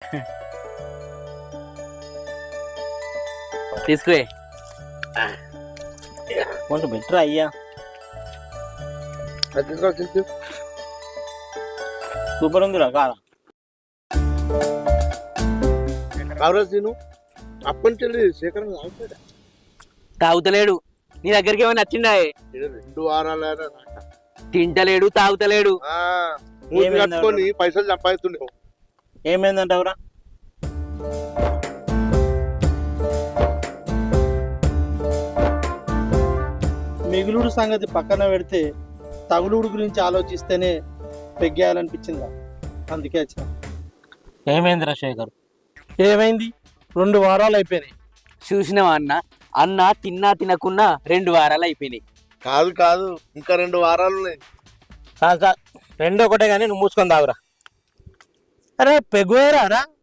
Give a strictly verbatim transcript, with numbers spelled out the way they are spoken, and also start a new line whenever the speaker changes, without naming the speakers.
తీసుకువే
కొంచెం బెటర్ అయ్యా. సూపర్ ఉందిరా కాదా?
కావరాజు అప్పటి నుంచి శేఖరం
తాగుతలేడు. నీ దగ్గరికి ఏమైనా నచ్చిందా?
రెండు వారాలు
తింటలేడు, తాగుతలేడు.
కట్టుకొని పైసలు సంపాదిస్తుండే.
ఏమైందంటావురా? మిగులుడు సంగతి పక్కన పెడితే తగులుడు గురించి ఆలోచిస్తేనే పెగ్గేయాలనిపించిందా? అందుకే వచ్చిన. ఏమైందిరా శేఖర్? ఏమైంది? రెండు వారాలు అయిపోయినాయి.
చూసినావా అన్న? అన్న తిన్నా తినకున్నా రెండు వారాలు అయిపోయినాయి.
కాదు కాదు, ఇంకా రెండు వారాలు ఉన్నాయి.
కాదు కాదు, రెండు ఒకటే కానీ నువ్వు మూసుకొని తాగురా. అరే పెగ్గురా